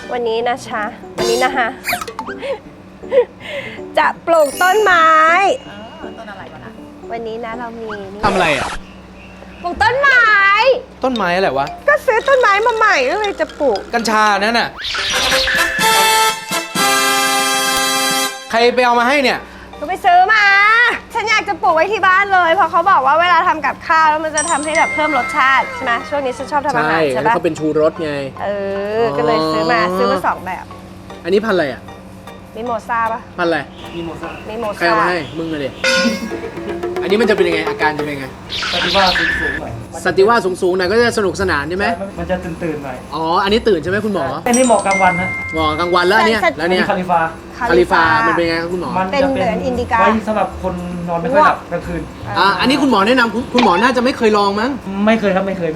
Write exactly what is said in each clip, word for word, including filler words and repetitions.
วันนี้นะชะวันนี้นะคะจะปลูกต้นไม้ต้นอะไรวะนะวันนี้นะเรามีนี่ทำอะไรอ่ะปลูกต้นไม้ต้นไม้อะไรวะก็ซื้อต้นไม้มาใหม่ก็เลยจะปลูกกัญชานั่นน่ะใครไปเอามาให้เนี่ยก็ไปซื้อมา ฉันอยากจะปลูกไว้ที่บ้านเลยเพราะเขาบอกว่าเวลาทำกับข้าวแล้วมันจะทำให้แบบเพิ่มรสชาติใช่ไหมช่วงนี้ฉันชอบทำอาหารใช่ปะเขาเป็นชูรสไงเออก็เลยซื้อมาซื้อมาสองแบบอันนี้พันธุ์อะไรอ่ะมิโมซาปะพันธุ์อะไรมิโมใครซาเอามาให้มึงเลย อันนี้มันจะเป็นยังไงอาการจะเป็นยังไงสติว่าสูงสูงหน่อยสติว่าสูงๆหน่อยก็จะสนุกสนานใช่ไหมมันจะตื่นตื่นๆหน่อยอ๋ออันนี้ตื่นใช่ไหมคุณหมออันนี้เหมาะกลางวันนะหมอกลางวันแล้วเนี่ยแล้วเนี่ยคาลิฟาคาลิฟามันเป็นยังไงครับคุณหมอมันเป็นจะเหมือนอินดิกาไว้สำหรับคนนอนไม่ค่อยหลับกลางคืนอ่าอันนี้คุณหมอแนะนำคุณคุณหมอน่าจะไม่เคยลองมั้งไม่เคยครับไม่เคยไม่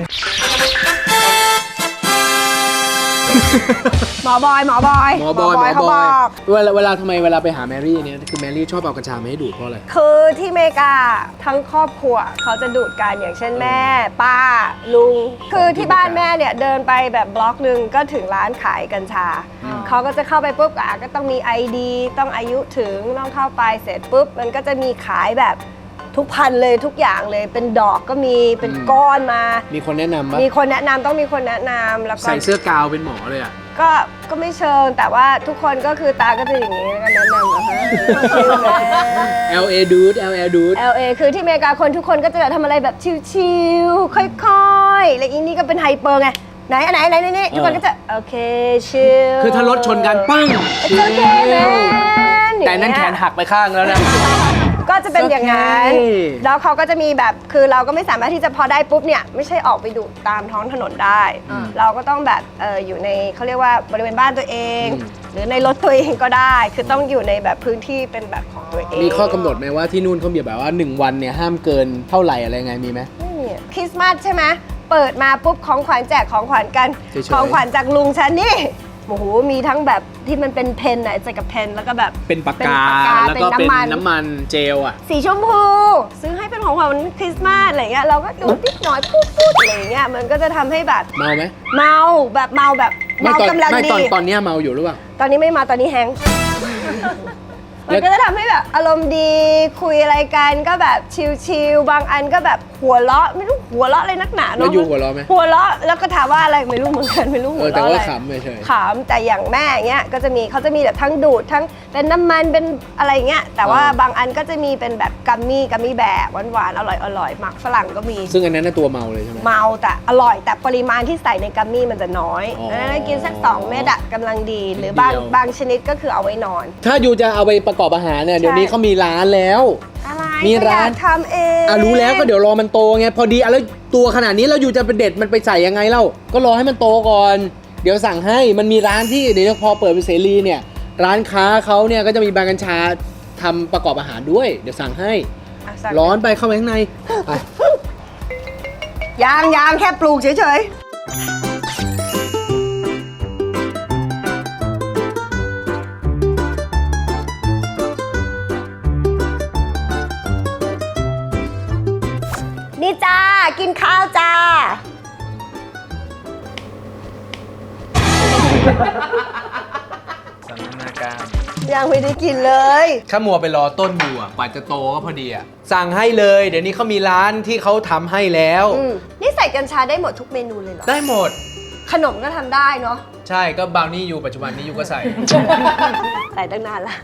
หมอบอยหมอบอยหมอบอยหมอเขาบบ ออย กเวลาเวลาทำไมเวลาไปหาแมรี่เนี่ยคือแมรี่ชอบเอากัญชามาให้ดูดเพราะอะไรคือที่อเมริกาทั้งครอบครัวเขาจะดูดกันอย่างเช่นแม่ ป้า ลุง คือที่บ้านแม่เนี่ยเดินไปแบบบล็อกหนึ่งก็ถึงร้านขายกัญชา เขาก็จะเข้าไปปุ๊บอ่ะก็ต้องมี ไอ ดี ต้องอายุถึงต้องเข้าไปเสร็จปุ๊บมันก็จะมีขายแบบทุกพันเลยทุกอย่างเลยเป็นดอกก็มีเป็นก้อนมามีคนแนะนำปะมีคนแนะนำต้องมีคนแนะนำแล้วก็ใส่เสื้อกาวเป็นหมอเลยอ่ะก็ก็ไม่เชิงแต่ว่าทุกคนก็คือตาก็จะอย่างนี้แล้วก็แนะนำนะคะแอล เอ dude แอล เอ dude แอล เอ คือที่อเมริกาคนทุกคนก็จะแบบทำอะไรแบบชิลๆค่อยๆแล้วอีนี่ก็เป็นไฮเปอร์ไงไหนอันไหนไหนนี่ทุกคนก็จะโอเคชิลคือถ้ารถชนกันปั้งโอเคแมนแต่นั้นแขนหักไปข้างแล้วนะก็จะเป็นอย่างนั้นโอเคแล้วเขาก็จะมีแบบคือเราก็ไม่สามารถที่จะพอได้ปุ๊บเนี่ยไม่ใช่ออกไปดูดตามท้องถนนได้ เราก็ต้องแบบเอออยู่ในเขาเรียกว่าบริเวณบ้านตัวเอง หรือในรถตัวเองก็ได้ คือต้องอยู่ในแบบพื้นที่เป็นแบบของตัวเองมีข้อกำหนดไหมว่าที่นู่นเขามีแบบว่าหนึ่งวันเนี่ยห้ามเกินเท่าไหร่อะไรไงมีไหมไม่มีอะคริสต์มาสใช่ไหมเปิดมาปุ๊บของขวัญแจกของขวัญกันเฉยๆของขวัญจากลุงฉันนี่โอ้โหมีทั้งแบบที่มันเป็นเพนไหนใส่กับเพนแล้วก็แบบเป็นปากกาเป็นปากกาแล้วก็เป็นเป็นน้ำมันน้ำมันเจลอ่ะสีชมพูซื้อให้เป็นของขวัญวันคริสต์มาสอะไรเงี้ยเราก็ดูดนิดหน่อยปุ๊บปุ๊บอะไรเงี้ยมันก็จะทำให้แบบเมาไหมเมาแบบเมาแบบไม่เมาตอนกำลังไม่ดีตอนตอนเนี้ยเมาอยู่หรือเปล่าตอนนี้ไม่มาตอนนี้แฮงก์ มันก็จะทำให้แบบอารมณ์ดีคุยอะไรกันก็แบบชิลๆบางอันก็แบบหัวเราะไม่รู้หัวเราะอะไรนักหนาแล้วเนาะอยู่หัวเราะไหมหัวเราะแล้วก็ถามว่าอะไรไม่รู้เหมือนกันไม่รู้เอหัวอแต่เราะว่าอะไรขำเฉยขำแต่อย่างแม่เงี้ยก็จะมีเขาจะมีแบบทั้งดูดทั้งเป็นน้ำมันเป็นอะไรเงี้ยแต่ว่าบางอันก็จะมีเป็นแบบกัมมี่กัมมี่แบบหวานๆอร่อยอร่อยๆหมักฝรั่งก็มีๆซึ่งอันนั้นน่ะตัวเมาเลยใช่ไหมเมาแต่อร่อยแต่ปริมาณที่ใส่ในกัมมี่มันจะน้อยอ๋อดังนั้นกินสักสองเม็ดอะกำลังดี หรือบางเดียวบางชนิดก็คือเอาไว้นอนถ้าอยู่จะเอาไปประกอบอาหารเนี่ยเดี๋ยวนี้เขามีร้านแล้วอะไรมีก็ร้านอยกทำเองอ่ะรู้แล้วก็เดี๋ยวรอมันโตไงพอดีอ่ะแล้วตัวขนาดนี้เราอยู่จะไปเด็ดมันไปใส่ยังไงเล่าก็รอให้มันโตก่อน เดี๋ยวสั่งให้มันมีร้านที่เดี๋ยวพอเปิดเป็นเสรีเนี่ยร้านค้าเขาเนี่ยก็จะมีใบกัญชาทำประกอบอาหารด้วย เดี๋ยวสั่งให้อ่ะสั่งร้อนไปเข้าไปข้างในไปยางยางแค่ปลูกเฉยๆ นี่จ้า กินข้าวจ้าสันทนาการยังไม่ได้กินเลยข้ามัวไปรอต้นอยู่อ่ะกว่าจะโตก็พอดีอ่ะสั่งให้เลยเดี๋ยวนี้เขามีร้านที่เขาทำให้แล้วอืมนี่ใส่กัญชาได้หมดทุกเมนูเลยเหรอได้หมดขนมก็ทำได้เนาะใช่ก็บราวนี่อยู่ปัจจุบันนี้อยู่ก็ใส่ใส่ตั้งนานละ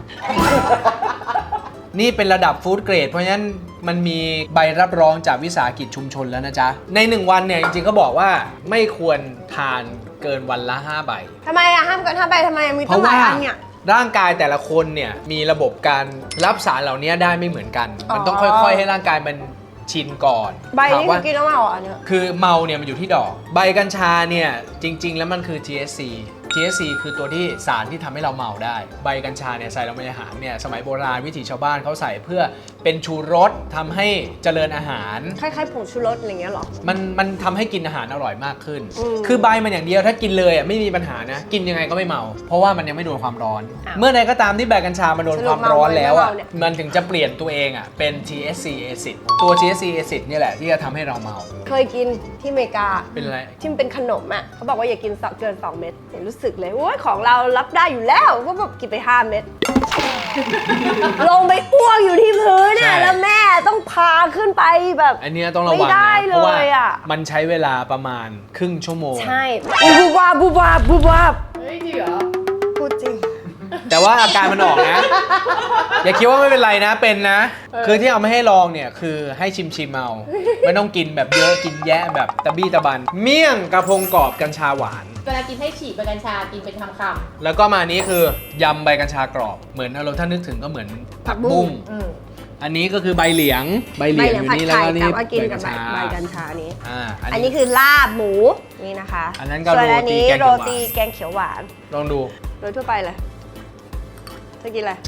นี่เป็นระดับฟู้ดเกรดเพราะฉะนั้นมันมีใบรับรองจากวิสาหกิจชุมชนแล้วนะจ๊ะ ในหนึ่งวันเนี่ยจริงๆก็บอกว่าไม่ควรทานเกินวันละห้าใบทำไมอะห้ามกันห้าใบทำไมมีเพตั้งราะหลาว่ายอันเนี่ยร่างกายแต่ละคนเนี่ยมีระบบการรับสารเหล่านี้ได้ไม่เหมือนกัน มันต้องอ๋อค่อยๆ ให้ร่างกายมันชินก่อนใบถามนี่คืว่าอกินแล้วเมาเหรอเนี่ยคือเมาเนี่ยมันอยู่ที่ดอก ใบกัญชาเนี่ยจริง ๆ แล้วมันคือ ที เอช ซี ที เอช ซี คือตัวที่สารที่ทำให้เราเมาได้ ใบกัญชาเนี่ยใส่ลงไปในอาหารเนี่ยสมัยโบราณวิถีชาวบ้านเขาใส่เพื่อเป็นชูรสทำให้เจริญอาหารคล้ายๆผงชูรสอะไรเงี้ยเหรอมันมันทำให้กินอาหารอร่อยมากขึ้นอืมคือใบมันอย่างเดียวถ้ากินเลยอ่ะไม่มีปัญหานะ กินยังไงก็ไม่เมา เพราะว่ามันยังไม่โดนความร้อนอ้าวเมื่อใดก็ตามที่ใบกัญชามันโดนสรุปความร้อนแล้วอ่ะเมาเนี่ยมันถึงจะเปลี่ยนตัวเองอ่ะเป็น ที เอช ซี acid ตัว ที เอช ซี acid เนี่ยแหละที่จะทำให้เราเมาเคยกินที่อเมริกาเป็นอะไรที่มันเป็นขนมอ่ะเขาบอกว่าอย่ากินเกินสองเม็ดเห็นรู้สึกสึกเลยโอ้ยของเรารับได้อยู่แล้วก็แบบกินไปห้าเม็ด ลงไปอ้วกอยู่ที่พื้นใช่น่ะแล้วแม่ต้องพาขึ้นไปแบบอันเนี้ยต้องระวังไม่ได้นะเพราะว่าเลยอะมันใช้เวลาประมาณครึ่งชั่วโมงใช่บูบาบูบาบูบาเฮ้ยจริงเหรอพูดจริงแต่ว่าอาการมันออกนะ อย่าคิดว่าไม่เป็นไรนะเป็นนะ คือที่เอาไม่ให้ลองเนี่ยคือให้ชิมชิมๆเอาไม่ต้องกินแบบเยอะกินแยะแบบตะบี้ตะบัน เมี่ยงกระพงกรอบกัญชาหวานเวลากินให้ฉีกใบกัญชากินเป็นคำแล้วก็มานี้คือยำใบกัญชากรอบเหมือนเราถ้านึกถึงก็เหมือนผักบุ้งๆอืมอันนี้ก็คือใบเหลียงใบเหลียงอยู่นี่แล้วก็นี่แต่ว่ากินใบกักับ ญใบชาใบกัญชานี้อ่าอันนี้คือลาบหมูนี่นะคะอันนั้นก็ส่วนอันนี้โรโรตีตีแกแกงงเขีเขียยว วหวาวหาน นลองดูโดยทั่วไปเลยจะกินอะไร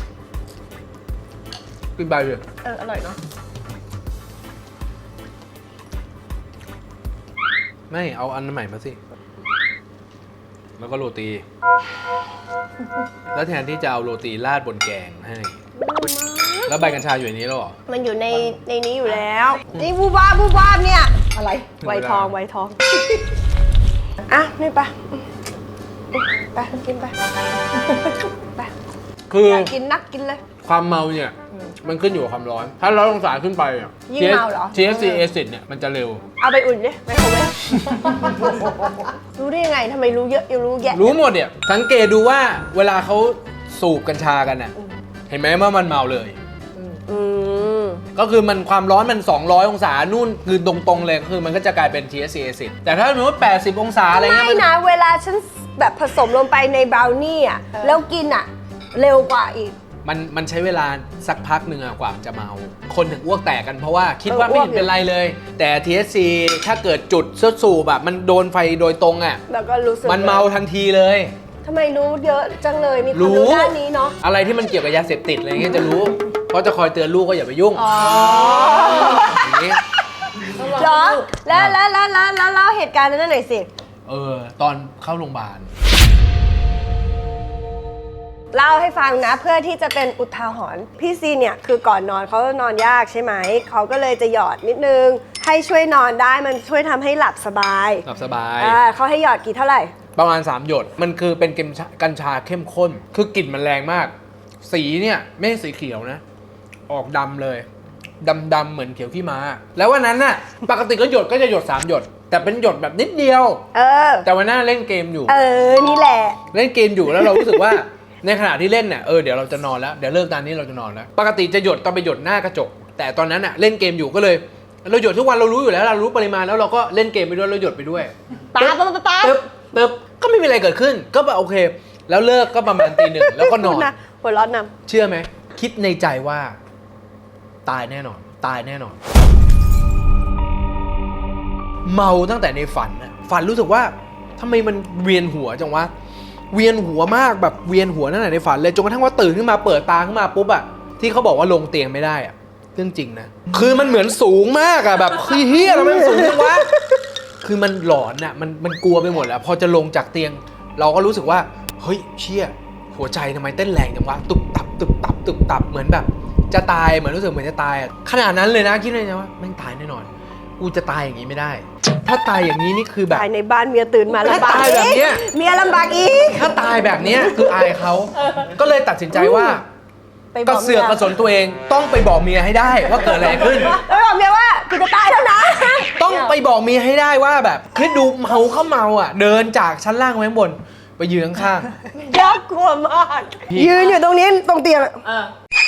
กินใบเลยเอออร่อยเนาะไม่เอาอันใหม่มาสิ แล้วก็โรตี แล้วแทนที่จะเอาโรตีราดบนแกงให้ แล้วใบกัญชาอยู่ในนี้แล้วเหรอมันอยู่ในในนี้อยู่แล้ว นี่บูบาบูบาเนี่ยอะไรไวทองไวทอง อ่ะ นี่ไปไปกินไปไปคืออยากกินนักกินเลยความเมาเนี่ย มันขึ้นอยู่กับความร้อน ถ้าร้อนองศาขึ้นไปอ่ะยิ่งเมาเหรอที เอส ซี acid เนี่ยมันจะเร็วเอาไปอุ่นดิไมโครเวฟ รู้ได้ยังไงทำไมรู้เยอะยังรู้แยะรู้หมดเนี่ย สังเกตดูว่าเวลาเขาสูบกัญชากันน่ะ เห็นไหมว่ามันเมาเลยอืมก็คือมันความร้อนมัน สองร้อย องศา นู่นคือตรงๆเลยก็คือมันก็จะกลายเป็น ที เอส ซี acid แต่ถ้าสมมติว่าแปดสิบ องศาอะไรเงี้ยไม่มันนะ เวลาฉันแบบผสมลงไปในบราวนี่อ่ะ แล้วกินอ่ะ เร็วกว่าอีกมันมันใช้เวลาสักพักหนึ่งอะกว่ามันจะเมา คนถึงอ้วกแตกกันเพราะว่าคิดว่าเออไม่อ้วกเห็นเป็นไรเลย แต่ ที เอส ซี ถ้าเกิดจุดซดสูบแบบมันโดนไฟโดยตรงอ่ะแล้วก็รู้สึกมันเมาทันทีเลยทำไมรู้เยอะจังเลย มีความรู้รู้ด้านนี้เนาะอะไรที่มันเกี่ยวกับยาเสพติดอะไรเงี้ยจะรู้ เพราะจะคอยเตือนลูกก็อย่าไปยุ่งอ๋ออย่างนี้เหรอ แล้วแล้วแล้วแล้วแล้วเล่าเหตุการณ์นั้นหน่อยสิเออ ตอนเข้าโรงพยาบาลเล่าให้ฟังนะเพื่อที่จะเป็นอุทาหรณ์พี่ซีเนี่ยคือก่อนนอนเขานอนยากใช่ไหม เขาก็เลยจะหยอดนิดนึง ให้ช่วยนอนได้มันช่วยทำให้หลับสบายหลับสบายอ่าเขาให้หยอดกี่เท่าไหร่ประมาณ สาม หยด มันคือเป็นกัญชากัญชาเข้มข้น คือกลิ่นมันแรงมาก สีเนี่ยไม่ใช่สีเขียวนะ ออกดำเลย ดำดำๆเหมือนเขียวขี้ม้า แล้ววันนั้นน่ะ ปกติก็หยดก็จะหยด สาม หยด แต่เป็นหยดแบบนิดเดียวเออแต่วันนั้นเล่นเกมอยู่เออ นี่แหละเล่นเกมอยู่แล้วเรารู้สึกว่า ในขณะที่เล่นเนี่ยเออเดี๋ยวเราจะนอนแล้วเดี๋ยวเลิกตอนนี้เราจะนอนแล้วปกติจะหยดตอนไปหยดหน้ากระจก แต่ตอนนั้นอะเล่นเกมอยู่ก็เลย เราหยดทุกวันเรารู้อยู่แล้วเรารู้ปริมาณแล้วเราก็เล่นเกมไปด้วยเราหยดไปด้วยป๊าป๊าป๊าป๊าตึ๊บตึ๊บก็ไม่มีอะไรเกิดขึ้น ก็แบบโอเค แล้วเลิกก็ประมาณตีหนึ่งแล้วก็นอนนะหัวเร้อนนเชื่อไหมคิดในใจว่า ตายแน่นอน ตายแน่นอน เมาตั้งแต่ในฝันน่ะฝันรู้สึกว่าทำไมมันเวียนหัวจังวะเวียนหัวมากแบบเวียนหัวตั้งแต่ในฝันเลยจนกระทั่งว่าตื่นขึ้นมาเปิดตาขึ้นมาปุ๊บอะที่เขาบอกว่าลงเตียงไม่ได้อะเรื่องจริงนะคือมันเหมือนสูงมากอะแบบเฮียทำไมมันสูงจังวะคือมันหลอนอะมันมันกลัวไปหมดแล้วพอจะลงจากเตียง เราก็รู้สึกว่าเฮ้ยเชี่ยหัวใจทำไมเต้นแรงจังวะตุบตับตุบตับตุบตับเหมือนแบบ จะตายเหมือนรู้สึกเหมือนจะตายอะขนาดนั้นเลยนะคิดเลยนะว่าแม่งตายแน่นอนกูจะตายอย่างนี้ไม่ได้ ถ้าตายอย่างนี้นี่คือำแบบตายในบ้านเมียตื่นมาลำบากถ้าตายแบบเนี้ยเมียลำบากอีกถ้าตายแบบเนี้ยคืออายเขาก็เลยตัดสินใจว่าไปกระเสือกกระสนตัวเองต้องไปบอกเมียให้ได้ว่าเกิดอะไรขึ้นแล้วบอกเมียว่ากูจะตายแล้วนะต้องไปบอกเมียให้ได้ว่าแบบคือดูเมาเข้าเมาอ่ะ เดินจากชั้นล่างไปข้างบน ไปยืนข้างยากกลัวมากพี่ยืนอยู่ตรงนี้ตรงเตียงเออ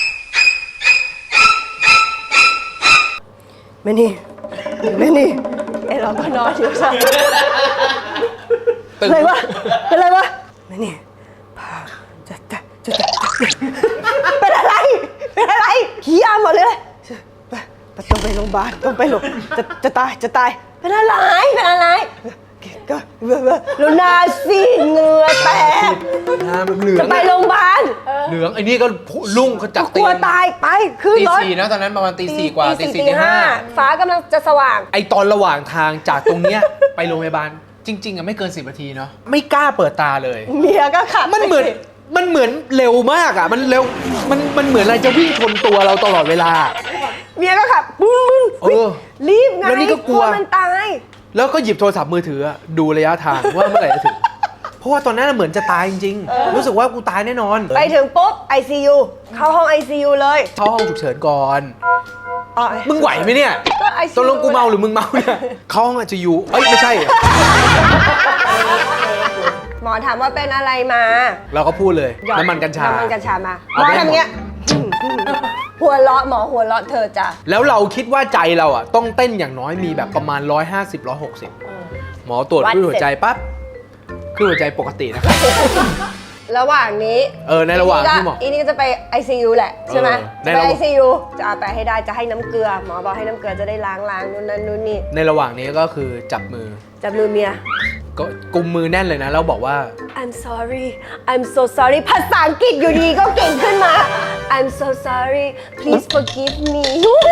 ไม่นี่ไม่นี่ไอเราก็นอนอยู่ซะๆตึงอะไรวะเป็นอะไรวะไม่นี่พาจะจะจะจะเป็นอะไรเป็นอะไรเฮียหมดเลยไปไปต้องไปโรงพยาบาลต้องไปโรงจะจะตายจะตายเป็นอะไรเป็นอะไรก็แล้วหน้าซีดเหงื่อแตกหน้ามันเหลือจะงไปโรงพยาบาลเหลืองไอ้นี่ก็ลุ่งเขาจับกเตีลัยว งตายไปขึ้นตีรถสี่นะตอนนั้นประมาณตีสี่กว่าตีสี่ตีห้าฟ้ากำลังจะสว่างไอตอนระหว่างทางจากตรงเนี้ย ไปโรงพยาบาลจริงๆอ่ะไม่เกินสิบนาทีเนาะไม่กล้าเปิดตาเลยเมียก็ขับมันเหมือนมันเหมือนเร็วมากอ่ะมันเร็วมันมันเหมือนอะไรจะวิ่งชนตัวเราตลอดเวลาเมียก็ขับปุ้นเออรีบไงแล้วนี่ก็กลัวมันตายแล้วก็หยิบโทรศัพท์มือถืออะดูระยะทางว่าเมื่อไหร่จะถึง พราะว่าตอนนั้นเหมือนจะตายจริงๆ รู้สึกว่ากูตายแน่นอนไปถึงปุ๊บ ไอ ซี ยู เข้าห้อง ไอ ซี ยู เลยเข้าห้องฉุกเฉินก่อนอ๋อมึงไหวไหมเนี่ยก็ ไอ ซี ยูตกลงกูเมาหรือมึงเมาเนี่ยเข้าห้องไอซียูเอ้ยไม่ใช่หมอถามว่าเป็นอะไรมาเราก็พูดเลยหยอดน้ำมันกัญชาน้ำมันกัญชามาหมเอาอไปทำเงี้ย หัวเราะหมอหัวเราะเธอจ้ะแล้วเราคิดว่าใจเราอ่ะต้องเต้นอย่างน้อยมีแบบประมาณ หนึ่งร้อยห้าสิบ หนึ่งร้อยหกสิบ หมอตรวจคลื่นหัวใจปั๊บคลื่นหัวใจปกตินะครับระหว่างนี้เออในระหว่างที่หมออีนี่ก็จะไป ไอ ซี ยู แหละใช่ไหมเออในไประหว่างไอ ซี ยู จะเอาไปให้ได้จะให้น้ำเกลือ หมอบอกให้น้ำเกลือจะได้ล้างล้างนู่นนั่นนู่นนี่ในระหว่างนี้ก็คือจับมือจับมือเมียก็กุมมือแน่นเลยนะ แล้วบอกว่า I'm sorry I'm so sorry ภาษาอังกฤษอยู่ดีก็เก่งขึ้นมา I'm so sorry please forgive me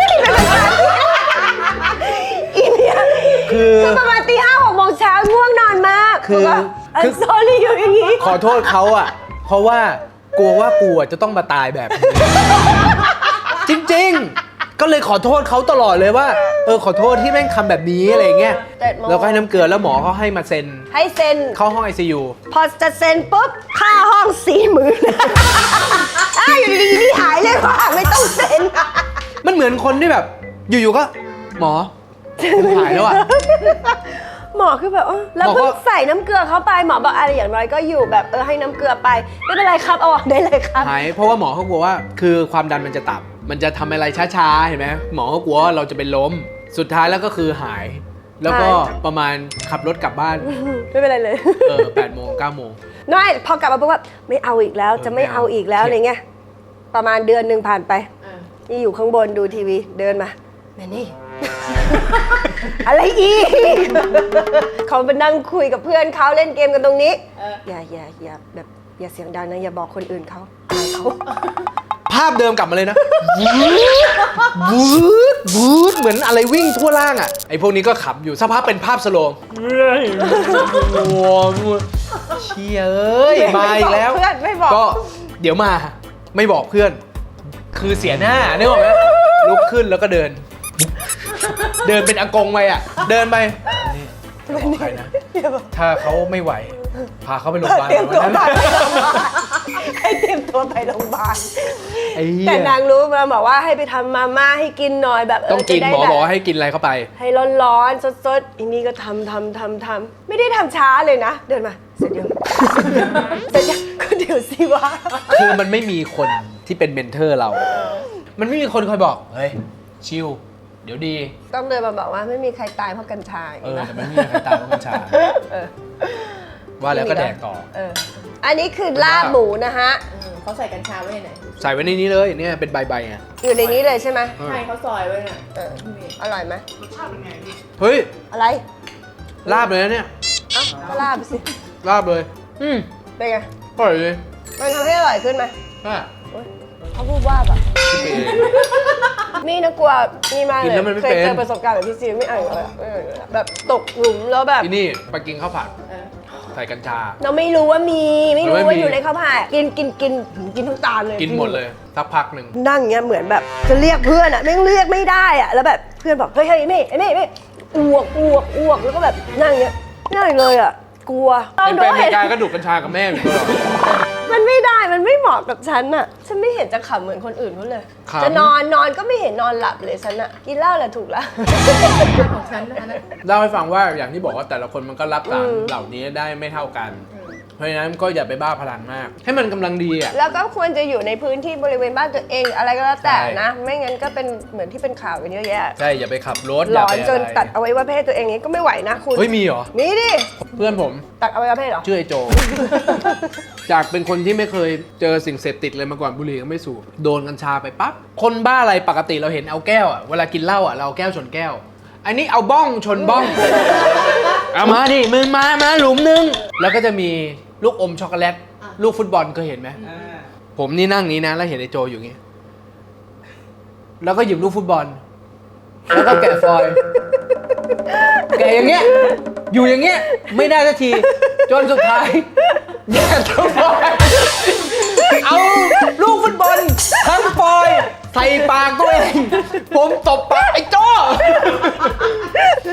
อีเมียคือคือประมาณตีห้าหกโมงเช้าง่วงนอนมากคือบอกว่าคื I'm อ sorry อยู่อย่างนี้ขอโทษเขาอ่ะ เพราะว่ากลัวว่ากูอ่ะจะต้องมาตายแบบนี้ จริงๆ ก็เลยขอโทษเขาตลอดเลยว่า เออขอโทษที่แม่งทำแบบนี้อะไรเงี้ยแต่หมอแล้วก็ให้น้ำเกลือแล้วหมอเขาให้มาเซ็นให้เซ็นเข้าห้อง ไอ ซี ยูพอจะเซ็นปุ๊บ ค่าห้องสี่หมื่นอ้าวอยู่ดีๆนี่หายเลยว่าไม่ต้องเซ็นมันเหมือนคนที่แบบ อยู่ๆก็ หมอผมหายแล้วอ่ะหมอคือแบบเออแล้วหมอก็เพิ่งใส่น้ำเกลือเข้าไปหมอบอกอะไรอย่างน้อยก็อยู่แบบเออให้น้ำเกลือไปไม่เป็นไรครับเอาออกได้เลยครับหายเพราะว่าหมอเขากลัวว่าคือความดันมันจะต่ำมันจะทำอะไรช้าๆ เห็นไหมหมอเขากลัวว่าเราจะเป็นล้ม สุดท้ายแล้วก็คือหาย แล้วก็ประมาณขับรถกลับบ้านไม่เป็นไรเลยเออแปดโมงเก้าโมงน้อยพอกลับมาปุ๊บว่าไม่เอาอีกแล้วจะไม่ไม่เอาเอาอีกแล้วเข็ดอะไรเงี้ยประมาณเดือนหนึ่งผ่านไปอ่านี่อยู่ข้างบนดูทีวีเดินมาแม่นี่ อะไรอีก เขาไปนั่งคุยกับเพื่อนเขาเล่นเกมกันตรงนี้เอออย่าอย่าอย่าแบบอย่าเสียงดังนะอย่าบอกคนอื่นเขาอายเขาภาพเดิมกลับมาเลยนะวูดวูดเหมือนอะไรวิ่งทั่วล่างอ่ะไอพวกนี้ก็ขับอยู่สักพักเป็นภาพสโลว์โอ้โหเชี่ยเอ้ยมาอีกแล้วเพื่อนไม่บอกก็เดี๋ยวมาไม่บอกเพื่อน คือเสียหน้านึกออกไหมลุกขึ้นแล้วก็เดิน เดินเป็นอากงไปอ่ะ เดินไปนี่จะบอกใครนะ ถ้าเขาไม่ไหว พาเขาไปโรงพยาบาลเตรียมตัววันไปนั้นโรงพยาบาลให้เตรียมตัวไปโรงพยาบาลไอ้เหี้ยแต่นางรู้มาบอกว่าให้ไปทำมาม่าให้กินหน่อยแบบเต้องกินจะได้หมอแบบบอกให้กินอะไรเข้าไปให้ร้อนๆสดๆอีนี่ก็ทำทำทำทำไม่ได้ทำช้าเลยนะ เดินมาเสร็จยัง เสร็จยังก็เดี๋ยวสิวะคือมันไม่มีคนที่เป็นเมนเทอร์เรา มันไม่มีคนคอยบอก เฮ้ย ชิล เดี๋ยวดีต้องเดินมาบอกว่าไม่มีใครตายเพราะกัญชาเออนะแต่มันไม่มีใครตายเพราะกัญชาเออว่าแล้วก็แดกต่อเอออันนี้คือลาบหมูนะฮะอืมเขาใส่กัญชาไว้ในไหนใส่ไว้ในนี้เลยเนี่ยเป็นใบๆไงอยู่ในนี้เลยใช่ไหมใช่เขาซอยไว้น่ะเอออร่อยไหมเฮ้ยอะไรลาบเลยนะเนี่ยเอ้าก็ลาบสิลาบเลย อืมเป็นไงอร่อยเลยมันทำให้อร่อยขึ้นไหมอ่ะโอ๊ยเขาพูดว่าแบบ นี่นะกลัวนี่มากกิเลนยแล้วมันไม่เคยเป็นเจอประสบการณ์แบบพี่ซีไม่เอาอีกเลยอะไม่เอาอีกเลยอะแบบตกหลุมแล้วแบบที่นี่ไปกินข้าวผัดเออใส่กัญชาเราไม่รู้ว่ามีไม่รู้ไม่มีว่าอยู่ในข้าวผัดกินกินกินกินทั้งตาเลยกินหมดเลยสักพักหนึ่งนั่งเงี้ยเหมือนแบบจะเรียกเพื่อนอะแม่งเรียกไม่ได้อะแล้วแบบเพื่อนบอกเฮ้ยเฮ้ยนี่ไอ้นี่นี่อ้วกอ้วกอ้วกแล้วก็แบบนั่งเงี้ยนั่งเลยอะกลัวเป็นไปโดอเมริกาก็ดูดกัญชากับแม่อยู่ตลอดมันไม่ได้มันไม่เหมาะกับฉันอะฉันไม่เห็นจะขำเหมือนคนอื่นเขาเลยขำจะนอนนอนก็ไม่เห็นนอนหลับเลยฉันอะกินเหล้าแหละถูกละของฉันนะคะนะเล่าให้ฟังว่าอย่างที่บอกว่าแต่ละคนมันก็รับสารอืมเหล่านี้ได้ไม่เท่ากัน เพราะฉะนั้นก็อย่าไปบ้าพลังมาก ให้มันกำลังดีอ่ะแล้วก็ควรจะอยู่ในพื้นที่บริเวณบ้านตัวเองอะไรก็แล้วแต่ใช่นะ ไม่งั้นก็เป็นเหมือนที่เป็นข่าวกันเยอะแยะใช่ อย่าไปขับรถหลย่าอนไปจนอะไรตัดเอาไว้ว่าเพศตัวเองนี้ก็ไม่ไหวนะคุณเฮ้ยมีเหรอมีดิเพื่อนผมตัดเอาไว้ว่าเพศเหรอชื่อไอโจ จากเป็นคนที่ไม่เคยเจอสิ่งเสพติดเลยมาก่อนบุหรี่ก็ไม่สูบโดนกัญชาไปปั๊บคนบ้าอะไรปกติเราเห็นเอาแก้วอ่ะเวลากินเหล้าอ่ะเราเอาแก้วชนแก้ว อันนี้เอาบ้องชนบ้อง เอามาดิมึงมามาหลุมนึงแล้วก็จะมีลูกอมช็อกโกแลตลูกฟุตบอลเคยเห็นไหมผมนี่นั่งนี้นะแล้วเห็นไอโจอยู่อย่างงี้แล้วก็หยิบลูกฟุตบอลแล้วก็แกะฟอยล์แกะอย่างเงี้ยอยู่อย่างเงี้ยไม่ได้สักทีจนสุดท้ายแกะทั้งฟอยล์เอาลูกฟุตบอลทั้งฟอยล์ใส่ปากตัวเองผมตบปากไอ้โจ้สิ่ง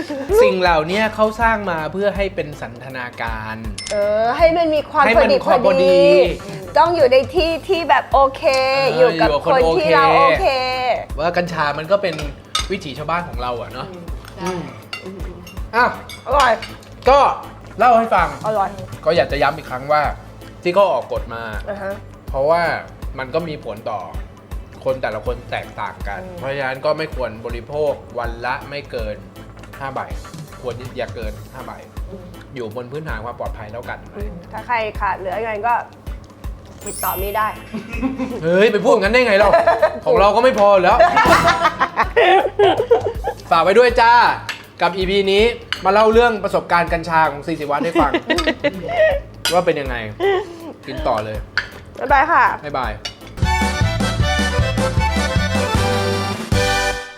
สิ่งเหล่านี้เขาสร้างมาเพื่อให้เป็นสันทนาการเออ ให้มันมีความให้พมัอน ดีความพพออดีดี ต้องอยู่ในที่ที่แบบโอเคเอออยู่กับอยู่กับคคนนโอที่เคเราโอเคว่ากัญชามันก็เป็นวิถีชาวบ้านของเราอะเนาะใช่อ่ะอร่อยก็เล่าให้ฟังอร่อยก็อยากจะย้ำอีกครั้งว่า ที่เขาออกกฎมาอ่าฮะเพราะว่ามันก็มีผลต่อคนแต่ละคนแตกต่างกันอืมเพราะฉะนั้นก็ไม่ควรบริโภควันละไม่เกินห้าใบ ควรอย่าเกินห้าใบ อยู่บนพื้นฐานความปลอดภัยแล้วกันถ้าใครขาดเหลืออะไรก็ติดต่อมีได้เฮ้ย ไปพูดงั้นได้ไงเรา ของเราก็ไม่พออยู่แล้ว ฝากไว้ด้วยจ้า กับ อี พี นี้มาเล่าเรื่องประสบการณ์กัญชาของซีสิวัฒน์ให้ฟัง ว่าเป็นยังไง กินต่อเลยบ๊ายบายค่ะบ๊ายบาย